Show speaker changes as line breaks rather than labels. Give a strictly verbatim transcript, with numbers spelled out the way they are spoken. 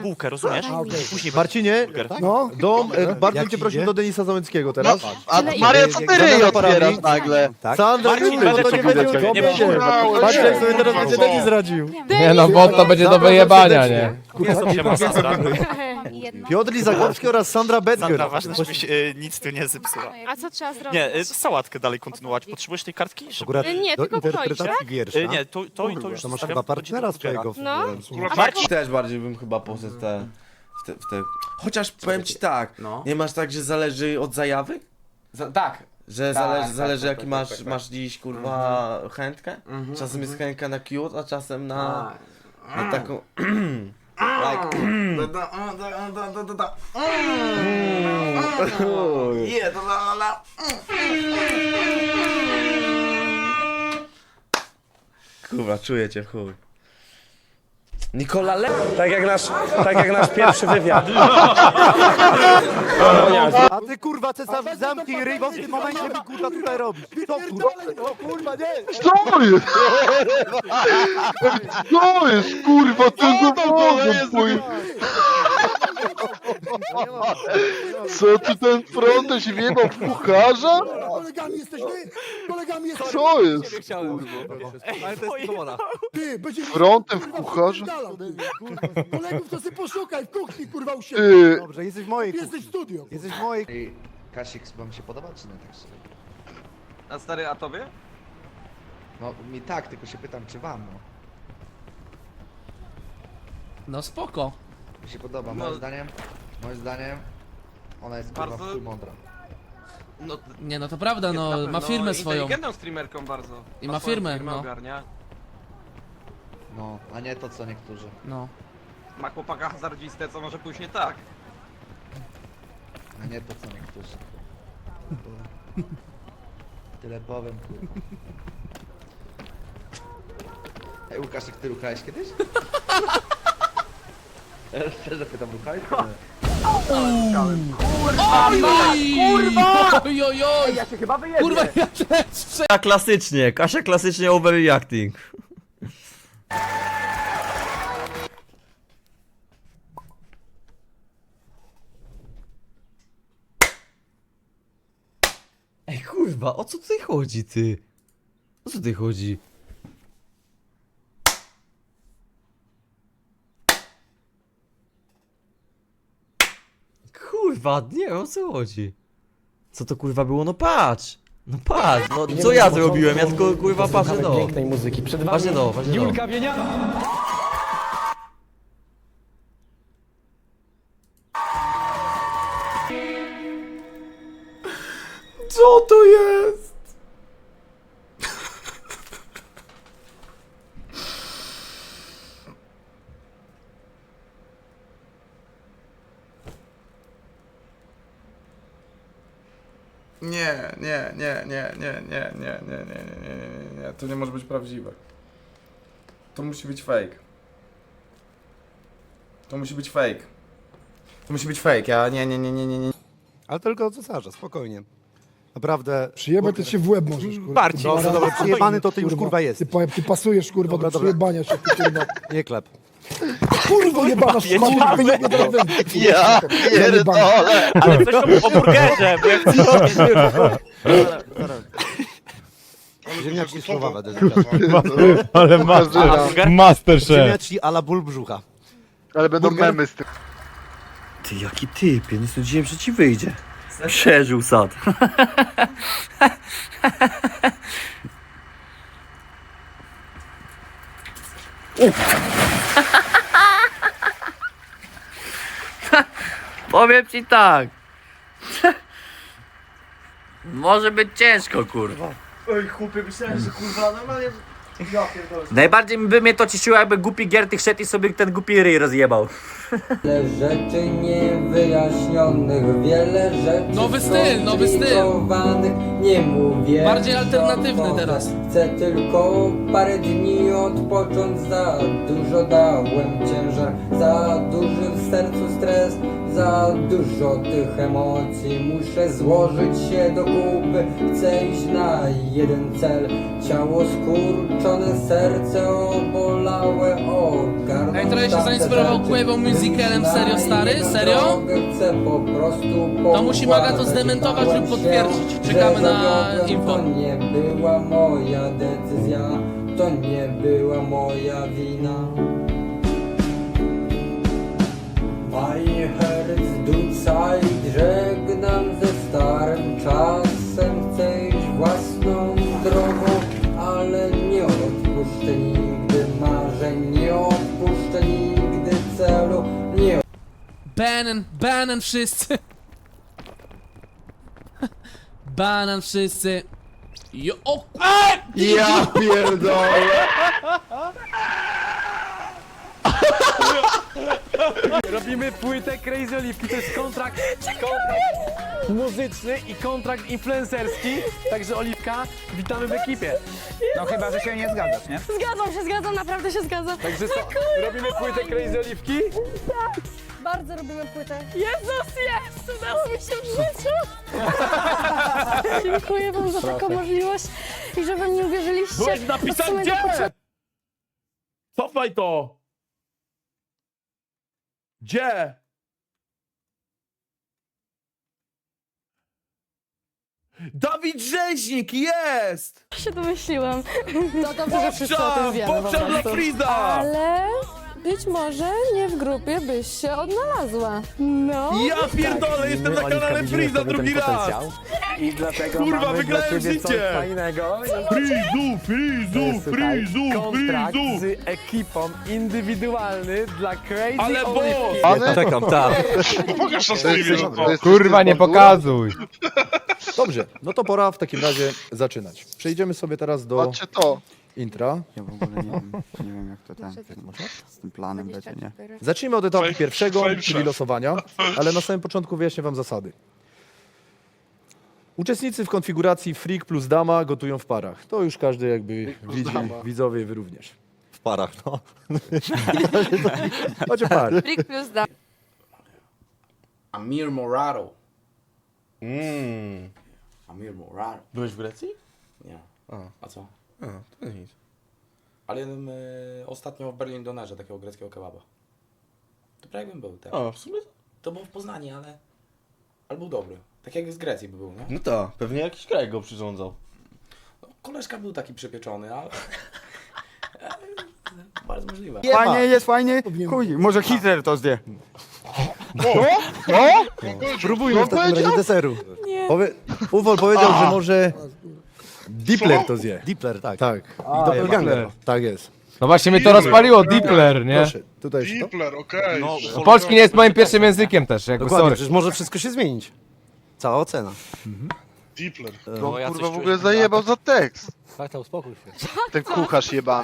Bułkę, rozumiesz?
A, okej.
Później
Marcinie,
No,
dom, e, bardzo
Jak
bym cię prosił
idzie?
do Denisa Załęckiego teraz.
A
Tyle
Maria,
ile?
co ty ryj otwierasz nagle?
tak.
Sandra,
Marcin,
nie,
będę
to nie
czekał
będzie
na ciebie.
nie
Nie
będzie.
będzie.
Patrzcie, jak sobie teraz będzie Denis radził.
Nie no, bo to będzie do wyjebania, nie?
Siema, Sandra.
Jedno.
Piotr Lizagorski oraz Sandra Bedger.
Sandra, ważne, żebyś y, nic tu nie zepsuła.
A co trzeba zrobić?
Nie, y, sałatkę dalej kontynuować. Potrzebujesz tej kartki? Żeby...
Akurat
Y, nie,
do
tylko kroisz,
interpretacji wiersza.
Y, nie, to, to, to już
To masz
zostawiam,
chyba
to będzie
partnera
do Twittera.
swojego. w-
No.
w-
Marcin,
Też bardziej bym chyba poszedł w te, w te, w te... Chociaż powiem ci tak,
No.
nie masz tak, że zależy od zajawy?
Za, tak.
Że
Tak,
zależy,
tak,
zależy
tak,
jaki
tak,
masz,
tak, tak.
masz dziś kurwa chętkę?
Mhm,
Czasem jest chętka na cute, a czasem na,
A.
na taką... like...
Da, da, a, da, da, da, da, da.
Uj.
Je, da, da, da.
Kurwa, czuję cię w chuj. Nikola Le...
Tak jak nasz, tak jak nasz pierwszy wywiad.
A ty kurwa cesarz zamknij ryj, bo w tym momencie mi kurwa tutaj robisz. Co kurwa? O kurwa nie!
Co jest? Co jest, kurwa, co za powodem twój? Co ty ten frontem się wjebał w kucharza?
Kolegami jesteśmy? Kolegami jesteśmy?
Co jest?
Ale to jest dowolna.
Ty, będzie...
Frontem w kucharza?
Kolegów to sobie poszukaj w kuchni, kurwa, u siebie.
Ty,
Dobrze, jesteś w mojej
Jesteś w
kuchni.
studio.
Jesteś w mojej...
Kasik, wam się podoba, czy nie tak szczerze?
A stary, a tobie?
No mi tak, tylko się pytam, czy wam, no.
No spoko.
Mi się podoba,
No.
moim zdaniem, moim zdaniem, ona jest kurwa
Bardzo-
w chuj mądra.
No,
Nie no to prawda,
jest na
no
pewno
ma firmę swoją.
inteligentną streamerką bardzo.
I ma
swoją
firmę,
firmę
no.
ogarnia.
No, a nie to co niektórzy.
No.
Ma chłopaka hazardzistę, co może pójść nie tak.
A nie to co niektórzy. Tyle powiem, kurwa. Ej, Łukaszek, ty ruchałeś kiedyś? Ja szczerze pytam, ruchałeś? czy nie?
Kurwa! Oj, oj, oj!
Ja się chyba wyjebię.
Kurwa, ja też prze...
Kasia klasycznie, Kasia klasycznie overreacting. Ej kurwa, o co tutaj chodzi ty? O co tutaj chodzi? Kurwa, nie wiem o co chodzi. Co to kurwa było? No patrz! No patrz, no co ja zrobiłem? Ja tylko kurwa patrzę do.
Pięknej muzyki. Przed wami
Patrzę do, patrzę do.
Julka Wienia.
Co to jest?
Nie, nie, nie, nie, nie, nie, nie, nie, nie, nie, nie, nie, nie, to nie może być prawdziwe. To musi być fake. To musi być fake. To musi być fake, ja nie, nie, nie, nie, nie, nie.
Ale tylko od cesarza, spokojnie. Naprawdę...
Przyjebać to się w łeb możesz, kurwa.
Bardziej. Dobrze, dobra, przyjebany to ty już kurwa jest.
Ty, pa- ty pasujesz, kurwa,
Dobra,
do
dobra.
przyjebania się, ty, kurwa.
Nie klep.
Kurwa, jebana szmata, wyjebie do ręki.
ja pierdolę.
Ale coś o burgerze, bo jak
Ziemniaczki słowawe,
Ale masz,
Masterchef.
Ziemniaczki a la ból brzucha.
ale będą
Burger?
memy z tym.
Ty jaki typ, ja nie sądziłem, że ci wyjdzie. Przeżył sad.
Powiem ci tak. Może być ciężko, kurwa.
Oj chłopie, myślałem, że kurwa normalnie...
Najbardziej by mnie to cieszyło, jakby głupi Giertych szedł i sobie ten głupi ryj rozjebał.
Wiele rzeczy niewyjaśnionych, wiele rzeczy
Nowy styl, nowy styl.
skomplikowanych. Nie mówię,
Bardziej
co
alternatywny
może.
teraz.
Chcę tylko parę dni odpocząć, za dużo dałem ciężar, za duży w sercu stres, za dużo tych emocji. Muszę złożyć się do kupy, chcę iść na jeden cel. Ciało skurczone, serce obolałe, ogarnąć
Ej, trochę się
tamte
zainspirował
rzeczy.
Quavo Musicalem, serio, stary?
Wyjść na
Serio?
drogę, chcę po prostu
To musi Maga to
popłakać.
zdementować lub
Bałem się,
potwierdzić.
że
Czekamy na
zawiodłem,
info.
To nie była moja decyzja, to nie była moja wina. My herz du Zeit, żegnam ze starym czasem. Chcę iść własną drogą, ale nie odpuszczę nigdy marzeń, nie odpuszczę nigdy celu, nie
Banan, banan wszyscy. Banan wszyscy. Jo, o ku-
Ja pierdolę!
Robimy płytę Crazy Oliwki, to jest kontrakt, kontrakt muzyczny i kontrakt influencerski, także Oliwka, witamy w ekipie.
No chyba, że się nie zgadzasz, nie?
Zgadzam się, zgadzam, naprawdę się zgadzam.
Także co, robimy płytę Crazy Oliwki?
Bardzo robimy płytę. Jezus, jest! Udało mi się w życiu! Dziękuję wam za taką możliwość i że we mnie uwierzyliście.
Byłeś napisać
Od samego
gdzie?
początku.
Cofaj to! Gdzie? Dawid Rzeźnik, jest!
się domyśliłam. To dobrze, że wszyscy o tym
Popczam,
wiemy po
popczam dla
prostu.
Friza!
Ale być może nie w grupie byś się odnalazła. No.
Ja pierdolę, jestem na kanale Friza drugi raz!
I dlatego
Kurwa,
mamy
wygrałem
dla ciebie coś
życie!
fajnego.
Frizu, Frizu,
Słuchaj,
Frizu,
kontrakt
Frizu!
z ekipą indywidualny dla Crazy
Ale bo-
Oliwki.
Pane?
Czekam, tak.
Pokaż na
To jest- to jest
Kurwa, nie
czysty
pokazuj.
Dobrze, no to pora w takim razie zaczynać. Przejdziemy sobie teraz do
Patrzcie to.
intra.
Ja w ogóle nie wiem, nie wiem jak to ten, z tym planem będzie, nie?
Zacznijmy od etapu
Fame-
pierwszego,
fame
czyli
chef.
losowania, ale na samym początku wyjaśnię wam zasady. Uczestnicy w konfiguracji Freak plus Dama gotują w parach. To już każdy jakby widzi, widzowie, wy również.
W parach, no.
Chodź o pary.
Freak plus da.
Amir Morado.
Mmm.
Amir Morado.
Byłeś w Grecji?
Nie.
A.
A co?
A, to nic.
Ale jadłem y, ostatnio w Berlin Donerze takiego greckiego kebaba. To prawie jakbym był, tak.
A, w sumie?
To było w Poznaniu, ale... Ale był dobry. Tak jak z Grecji by był, nie?
No tak, pewnie jakiś kraj go przyrządzał.
No, koleżka był taki przypieczony, ale... ale bardzo możliwe.
Fajnie
jest, fajnie. Chuj, może Hitler to zje.
Spróbujmy w takim razie deseru. Powie... Uwol powiedział, że może Dipler to zje. Dipler, tak. Tak. I doppelganger. Tak jest.
No właśnie mnie to rozpaliło, Dipler, nie?
Proszę, tutaj jeszcze to.
Dipler, okej.
No,
No, polski nie jest moim pierwszym językiem też, jakby sorry.
przecież może wszystko się zmienić. Cała ocena.
Dipler.
No, ja
On
coś
kurwa w
czuję.
ogóle zajebał za tekst.
Tak, to uspokój się.
Ten kucharz jebany.